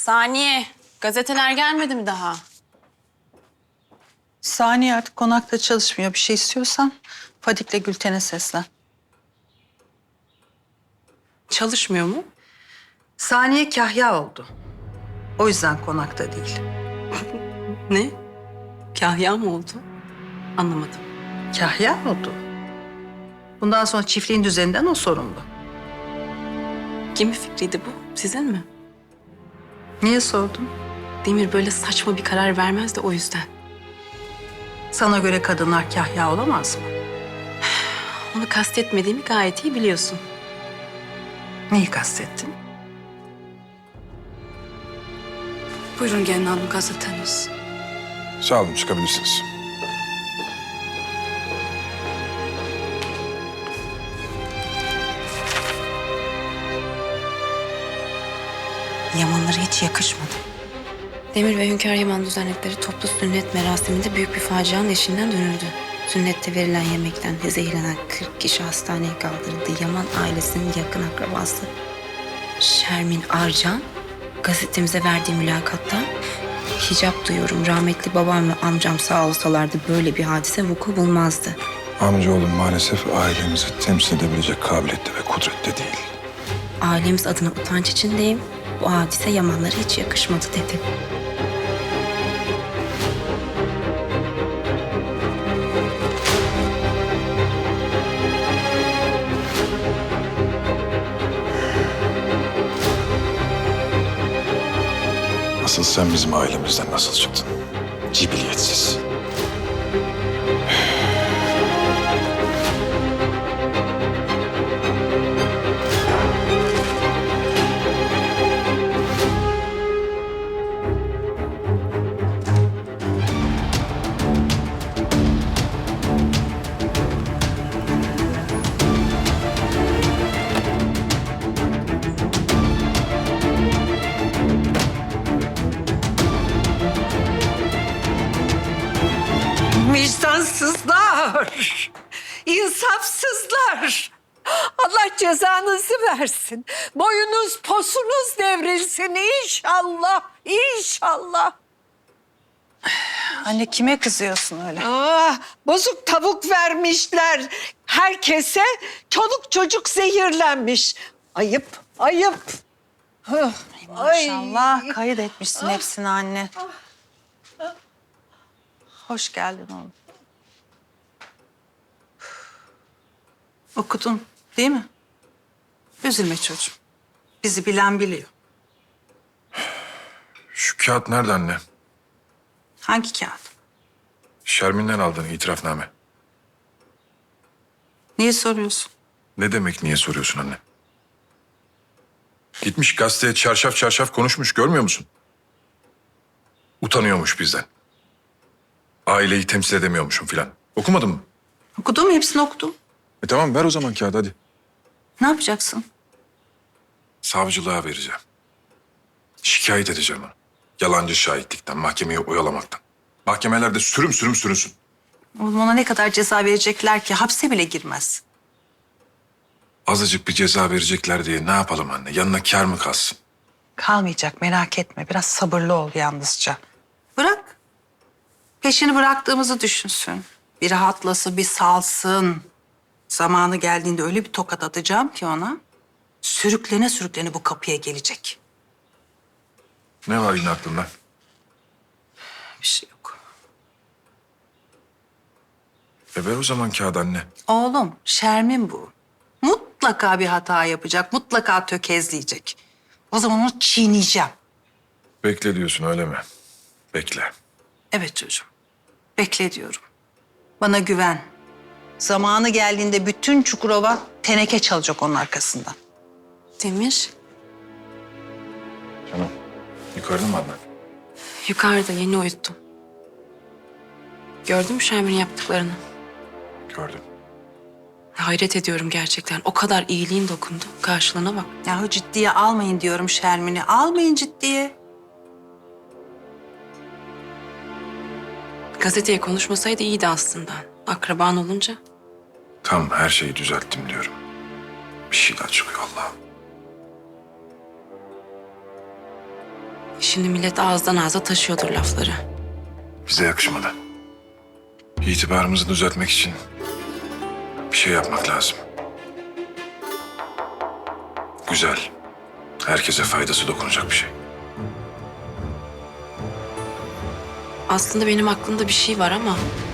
Saniye, gazeteler gelmedi mi daha? Saniye artık konakta çalışmıyor. Bir şey istiyorsan Fadik'le Gülten'e seslen. Çalışmıyor mu? Saniye kahya oldu. O yüzden konakta değil. Ne? Kahya mı oldu? Anlamadım. Kahya oldu. Bundan sonra çiftliğin düzeninden o sorumlu. Kimin fikriydi bu? Sizin mi? Niye sordun? Demir böyle saçma bir karar vermez de o yüzden. Sana göre kadınlar kahya olamaz mı? Onu kastetmediğimi gayet iyi biliyorsun. Neyi kastettin? Buyurun gelin hanım gazeteniz. Sağ olun, çıkabilirsiniz. Yamanlara hiç yakışmadı. Demir ve Hünkâr Yaman düzenledikleri toplu sünnet merasiminde büyük bir facianın eşiğinden dönüldü. Sünnette verilen yemekten zehirlenen 40 kişi hastaneye kaldırıldı. Yaman ailesinin yakın akrabası Şermin Arcan gazetemize verdiği mülakatta hicap duyuyorum. Rahmetli babam ve amcam sağ olsalardı böyle bir hadise vuku bulmazdı. Amcaoğlum maalesef ailemizi temsil edebilecek kabiliyette ve kudrette değil. Ailemiz adına utanç içindeyim. Bu hadise Yamanlara hiç yakışmadı dedi. Asıl sen bizim ailemizden nasıl çıktın? Cibiliyetsiz. Vicdansızlar, insafsızlar. Allah cezanızı versin. Boyunuz posunuz devrilsin inşallah, inşallah. Anne kime kızıyorsun öyle? Bozuk tavuk vermişler. Herkese çoluk çocuk zehirlenmiş. Ayıp, ayıp. Maşallah kayıt etmişsin hepsini anne. Hoş geldin oğlum. Okudun değil mi? Üzülme çocuğum. Bizi bilen biliyor. Şu kağıt nerede anne? Hangi kağıt? Şermin'den aldığın itirafname. Niye soruyorsun? Ne demek niye soruyorsun anne? Gitmiş gazeteye çarşaf çarşaf konuşmuş, görmüyor musun? Utanıyormuş bizden. Aileyi temsil edemiyormuşum filan. Okumadın mı? Okudum, hepsini okudum. Tamam, ver o zaman kağıdı hadi. Ne yapacaksın? Savcılığa vereceğim. Şikayet edeceğim onu. Yalancı şahitlikten, mahkemeyi oyalamaktan. Mahkemelerde sürüm sürüm sürünsün. Oğlum ona ne kadar ceza verecekler ki? Hapse bile girmez. Azıcık bir ceza verecekler diye ne yapalım anne? Yanına kâr mı kalsın? Kalmayacak, merak etme. Biraz sabırlı ol yalnızca. Bırak. Peşini bıraktığımızı düşünsün. Bir rahatlasın, bir salsın. Zamanı geldiğinde öyle bir tokat atacağım ki ona. Sürüklene sürüklene bu kapıya gelecek. Ne var yine aklında? Bir şey yok. Ver o zaman kağıdı anne. Oğlum, Şermin bu. Mutlaka bir hata yapacak, mutlaka tökezleyecek. O zaman onu çiğneyeceğim. Bekle diyorsun öyle mi? Bekle. Evet çocuğum, bekle diyorum. Bana güven. Zamanı geldiğinde bütün Çukurova teneke çalacak onun arkasından. Demir, Canım, yukarıda mı Adnan? yukarıda yeni uyuttum. Gördün mü Şermin'in yaptıklarını? Gördüm. Hayret ediyorum gerçekten. O kadar iyiliğin dokundu. Karşılığına bak. Yahu ciddiye almayın diyorum Şermin'i. Almayın ciddiye. Gazeteye konuşmasaydı iyiydi aslında. Akraban olunca. Tam her şeyi düzelttim diyorum. Bir şey daha çıkıyor Allah'ım. Şimdi millet ağızdan ağza taşıyordur lafları. Bize yakışmadı. İtibarımızı düzeltmek için bir şey yapmak lazım. Güzel. Herkese faydası dokunacak bir şey. Aslında benim aklımda bir şey var ama